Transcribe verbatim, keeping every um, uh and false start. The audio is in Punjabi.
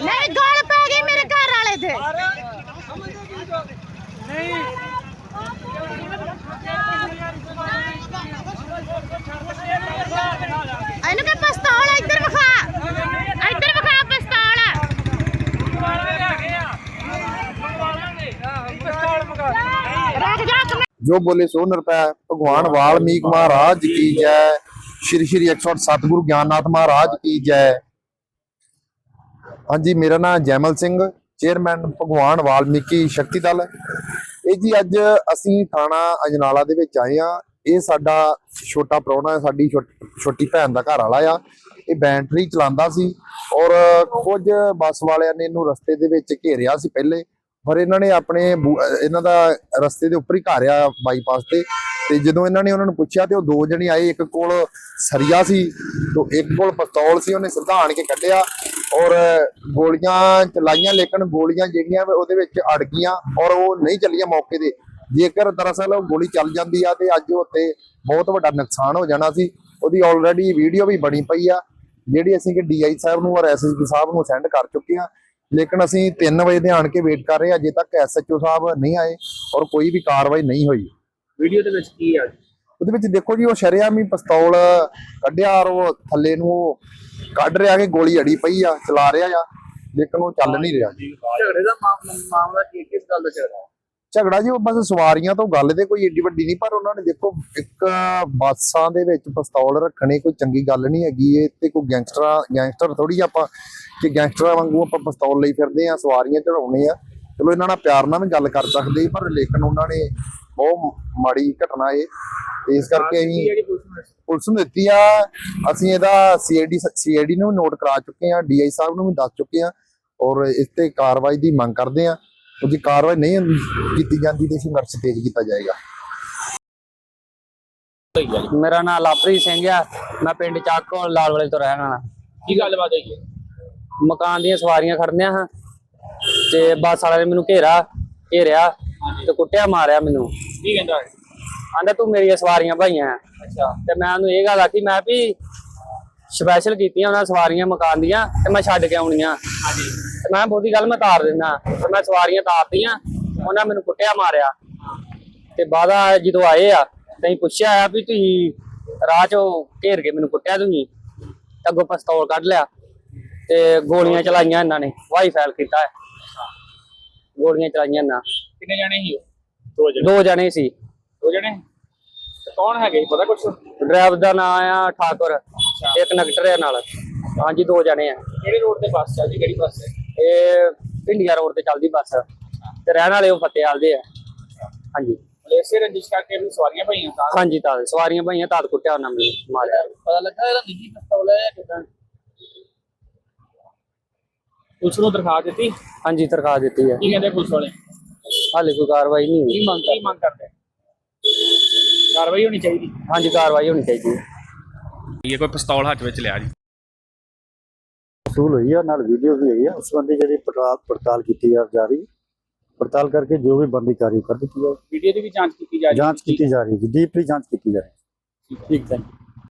नहीं गल पै गई मेरे घर वाले थे इन्हू के पिस्तौल इधर विखा इधर विखा पिस्तौल जो बोले सो निरपै। भगवान वाल्मीकि महाराज की जय। श्री श्री एक सौ अठ सतगुरु ज्ञाननाथ महाराज की जय। हाँ जी, मेरा नाम जैमल सिंह, चेयरमैन भगवान वाल्मीकि शक्ति दल। ਇਹ ਜੀ ਅੱਜ ਅਸੀਂ ਥਾਣਾ ਅਜਨਾਲਾ ਦੇ ਵਿੱਚ ਆਏ ਆ। ਇਹ ਸਾਡਾ ਛੋਟਾ ਪ੍ਰਾਹੁਣਾ ਹੈ, ਸਾਡੀ ਛੋਟੀ ਭੈਣ ਦਾ ਘਰ ਵਾਲਾ ਆ। ਇਹ ਬੈਟਰੀ ਚਲਾਉਂਦਾ ਸੀ ਔਰ ਕੁਝ ਬੱਸ ਵਾਲਿਆਂ ਨੇ ਇਹਨੂੰ ਰਸਤੇ ਦੇ ਵਿੱਚ ਘੇਰਿਆ ਸੀ ਪਹਿਲੇ, ਪਰ ਇਹਨਾਂ ਨੇ ਆਪਣੇ ਇਹਨਾਂ ਦਾ ਰਸਤੇ ਦੇ ਉੱਪਰ ਹੀ ਘਾਰਿਆ ਬਾਈਪਾਸ ਤੇ। ਤੇ ਜਦੋਂ ਇਹਨਾਂ ਨੇ ਉਹਨਾਂ ਨੂੰ ਪੁੱਛਿਆ ਤੇ ਉਹ ਦੋ ਜਣੇ ਆਏ, ਇੱਕ ਕੋਲ ਸਰੀਆ ਸੀ ਤੇ ਇੱਕ ਕੋਲ ਪਿਸਤੌਲ ਸੀ। ਉਹਨੇ ਸਿੱਧਾ ਆਣ ਕੇ ਕੱਢਿਆ ਔਰ ਗੋਲੀਆਂ ਚਲਾਈਆਂ, ਲੇਕਿਨ ਗੋਲੀਆਂ ਜਿਹੜੀਆਂ ਉਹਦੇ ਵਿੱਚ ਅੜ ਗਈਆਂ ਔਰ ਉਹ ਨਹੀਂ ਚੱਲੀਆਂ ਮੌਕੇ ਤੇ। ਜੇਕਰ ਦਰਅਸਲ ਉਹ ਗੋਲੀ ਚੱਲ ਜਾਂਦੀ ਆ ਤੇ ਅੱਜ ਉੱਤੇ ਬਹੁਤ ਵੱਡਾ ਨੁਕਸਾਨ ਹੋ ਜਾਣਾ ਸੀ। ਉਹਦੀ ਆਲਰੇਡੀ ਵੀਡੀਓ ਵੀ ਬਣੀ ਪਈ ਆ, ਜਿਹੜੀ ਅਸੀਂ ਕਿ ਡੀ ਆਈ ਸਾਹਿਬ ਨੂੰ ਔਰ ਐਸ ਐਸ ਪੀ ਸਾਹਿਬ ਨੂੰ ਸੈਂਡ ਕਰ ਚੁੱਕੇ ਆ। ਲੇਕਿਨ ਅਸੀਂ ਤਿੰਨ ਵਜੇ ਦੇ ਆਣ ਕੇ ਵੇਟ ਕਰ ਰਹੇ ਹਾਂ, ਅਜੇ ਤੱਕ ਐਸ ਐਚ ਓ ਸਾਹਿਬ ਨਹੀਂ ਆਏ ਔਰ ਕੋਈ ਵੀ ਕਾਰਵਾਈ ਨਹੀਂ ਹੋਈ। ਵੀਡੀਓ ਦੇ ਵਿੱਚ ਕੀ ਆ? ਉਹਦੇ ਵਿੱਚ ਦੇਖੋ ਜੀ, ਉਹ ਸ਼ਰੇਆਮ ਹੀ ਪਿਸਤੌਲ ਕੱਢਿਆ ਔਰ ਉਹ ਥੱਲੇ ਨੂੰ ਕੱਢ ਰਿਹਾ ਕਿ ਗੋਲੀ ਅੜੀ ਪਈ ਆ, ਚਲਾ ਰਿਹਾ ਆ, ਲੇਕਿਨ ਉਹ ਚੱਲ ਨਹੀਂ ਰਿਹਾ। ਝਗੜੇ ਦਾ ਮਾਮਲਾ ਕੀ, ਕਿਸ ਗੱਲ ਦਾ ਝਗੜਾ? ਝਗੜਾ ਜੀ ਉਹ ਬਸ ਸਵਾਰੀਆਂ ਤੋਂ ਗੱਲ ਤੇ ਕੋਈ ਏਡੀ ਵੱਡੀ ਨਹੀਂ, ਪਰ ਉਹਨਾਂ ਨੇ ਦੇਖੋ ਇੱਕ ਬੱਸਾਂ ਦੇ ਵਿੱਚ ਪਿਸਤੌਲ ਰੱਖਣੇ ਕੋਈ ਚੰਗੀ ਗੱਲ ਨਹੀਂ ਹੈਗੀ। ਇਹ ਤੇ ਕੋਈ ਗੈਂਗਸਟਰ ਗੈਂਗਸਟਰ ਥੋੜੀ ਆਪਾਂ ਕਿ ਗੈਂਗਸਟਰਾਂ ਵਾਂਗੂ ਆਪਾਂ ਪਿਸਤੌਲ ਲਈ ਫਿਰਦੇ ਆ, ਸਵਾਰੀਆਂ ਚੜਾਉਣੇ ਆ। ਚਲੋ ਇਹਨਾਂ ਨਾਲ ਪਿਆਰ ਨਾਲ ਵੀ ਗੱਲ ਕਰ ਸਕਦੇ, ਪਰ ਲੇਕਿਨ ਉਹਨਾਂ ਨੇ ਬਹੁਤ ਮਾੜੀ ਘਟਨਾ ਇਹ, ਇਸ ਕਰਕੇ ਅਸੀਂ ਪੁਲਿਸ ਨੂੰ ਦਿੱਤੀ ਆ। ਅਸੀਂ ਇਹਦਾ C I D C I D ਨੂੰ ਨੋਟ ਕਰਾ ਚੁੱਕੇ ਆ, ਡੀ ਆਈ ਸਾਹਿਬ ਨੂੰ ਵੀ ਦੱਸ ਚੁੱਕੇ ਆ ਔਰ ਇਸ ਤੇ ਕਾਰਵਾਈ ਦੀ ਮੰਗ ਕਰਦੇ ਆ। ਜੇ ਕਾਰਵਾਈ ਨਹੀਂ ਕੀਤੀ ਜਾਂਦੀ ਤੇ ਸੰਘਰਸ਼ ਤੇਜ਼ ਕੀਤਾ ਜਾਏਗਾ। ਮੇਰਾ ਨਾਮ ਲਵਪ੍ਰੀਤ ਸਿੰਘ ਆ, ਮੈਂ ਪਿੰਡ ਚੱਕੋ ਲਾਲ ਵਾਲੇ ਤੋਂ ਰਹਿਣ ਵਾਲਾ। ਕੀ ਗੱਲਬਾਤ ਹੋਈ ਹੈ? ਮਕਾਨ ਦੀਆਂ ਸਵਾਰੀਆਂ ਖੜਨੀਆਂ ਹਾਂ ਤੇ ਬੱਸ ਵਾਲੇ ਨੇ ਮੈਨੂੰ ਘੇਰਾ ਘੇਰਿਆ ਤੇ ਕੁੱਟਿਆ ਮਾਰਿਆ ਮੈਨੂੰ। ਕੀ ਕਹਿੰਦਾ? ਆਂਦਾ ਤੂੰ ਮੇਰੀਆਂ ਸਵਾਰੀਆਂ ਭਾਈਆਂ। ਅੱਛਾ। ਤੇ ਮੈਂ ਉਹਨੂੰ ਇਹ ਗੱਲ ਆਖੀ, ਮੈਂ ਵੀ ਸਪੈਸ਼ਲ ਕੀਤੀਆਂ ਉਹਨਾਂ ਸਵਾਰੀਆਂ ਮਕਾਨ ਦੀਆਂ ਤੇ ਮੈਂ ਛੱਡ ਕੇ ਆਉਣੀਆਂ। ਹਾਂਜੀ। ਤੇ ਮੈਂ ਬਹੁਤੀ ਗੱਲ ਮੈਂ ਤਾਰ ਦਿੰਦਾ ਤੇ ਮੈਂ ਸਵਾਰੀਆਂ ਤਾਰਤੀਆਂ, ਉਹਨਾਂ ਮੈਨੂੰ ਕੁੱਟਿਆ ਮਾਰਿਆ। ਤੇ ਬਾਅਦ ਜਦੋਂ ਆਏ ਆ ਤੇ ਅਸੀਂ ਪੁੱਛਿਆ ਆ ਵੀ ਤੁਸੀਂ ਰਾਹ ਚੋਂ ਘੇਰ ਕੇ ਮੈਨੂੰ ਕੁੱਟਿਆ, ਤੁਸੀਂ ਅੱਗੋਂ ਪਿਸਤੌਲ ਕੱਢ ਲਿਆ ਤੇ ਗੋਲੀਆਂ ਚਲਾਈਆਂ ਇਹਨਾਂ ਨੇ, ਵਾਈ ਫਾਇਰ ਕੀਤਾ ਹੈ, ਗੋਲੀਆਂ ਚਲਾਈਆਂ ਇਹਨਾਂ। ਕਿੰਨੇ ਜਣੇ ਸੀ ਉਹ? ਦੋ ਜਣੇ। ਦੋ ਜਣੇ ਸੀ। ਦੋ ਜਣੇ? ਕੌਣ ਹੈਗੇ ਪਤਾ ਕੁਛ? ਡਰਾਈਵਰ ਦਾ ਨਾਮ ਆ ਠਾਕੁਰ, ਇੱਕ ਨਗਟਰ ਹੈ ਨਾਲ। ਹਾਂਜੀ, ਦੋ ਜਣੇ ਆ। ਕਿਹੜੇ ਰੋਡ ਤੇ ਬੱਸ ਚੱਲਦੀ? ਕਿਹੜੀ ਬੱਸ ਹੈ ਇਹ? ਭਿੰਡੀਆ ਰੋਡ ਤੇ ਚੱਲਦੀ ਬੱਸ ਤੇ ਰਹਿਣ ਵਾਲੇ ਉਹ ਫਤਿਆਲ ਦੇ ਆ। ਹਾਂਜੀ। ਇਸੇ ਰੰਜਿਸ਼ ਕਰਕੇ ਵੀ ਸਵਾਰੀਆਂ ਪਈਆਂ? ਹਾਂਜੀ, ਤਾਂ ਸਵਾਰੀਆਂ ਪਈਆਂ, ਤਾਂ ਕੁੱਟਿਆ ਉਹਨਾਂ ਨੇ, ਮਾਰਿਆ। ਪਤਾ ਲੱਗਾ ਇਹਦਾ ਨਿੱਜੀ ਪਿਸਤੌਲ ਹੈ ਕਿਦਾਂ? ਪੁਲਿਸ ਨੂੰ ਦਰਖਾਸਤ ਦਿੱਤੀ? ਹਾਂਜੀ, ਦਰਖਾਸਤ ਦਿੱਤੀ ਹੈ। ਕੀ ਕਹਿੰਦੇ ਪੁਲਿਸ ਵਾਲੇ? ਹਾਲੇ ਕੋਈ ਕਾਰਵਾਈ ਨਹੀਂ ਹੋਈ। ਕੀ ਮੰਗ ਕੀ ਮੰਗ ਕਰਦੇ? ਕਾਰਵਾਈ ਹੋਣੀ ਚਾਹੀਦੀ। ਹਾਂਜੀ, ਕਾਰਵਾਈ ਹੋਣੀ ਚਾਹੀਦੀ ਹੈ। ਇਹ ਕੋਈ ਪਿਸਤੌਲ ਹੱਥ ਵਿੱਚ ਲਿਆ ਜੀ? ਵਸੂਲ ਹੋਈ ਆ, ਨਾਲ ਵੀਡੀਓ ਵੀ ਹੈਗੀ ਆ। ਉਸ ਸੰਬੰਧੀ ਜਿਹੜੀ ਪੜਤਾਲ ਪੜਤਾਲ ਕੀਤੀ ਜਾ ਰਹੀ, ਪੜਤਾਲ ਕਰਕੇ ਜੋ ਵੀ ਬਣਦੀ ਕਾਰਵਾਈ ਕਰ ਦਿੱਤੀ ਜਾਏ। ਵੀਡੀਓ ਦੀ ਵੀ ਜਾਂਚ ਕੀਤੀ ਜਾ ਰਹੀ? ਜਾਂਚ ਕੀਤੀ ਜਾ ਰਹੀ ਹੈ, ਡੀਪਲੀ ਜਾਂਚ ਕੀਤੀ ਜਾ ਰਹੀ ਹੈ। ਠੀਕ ਹੈ।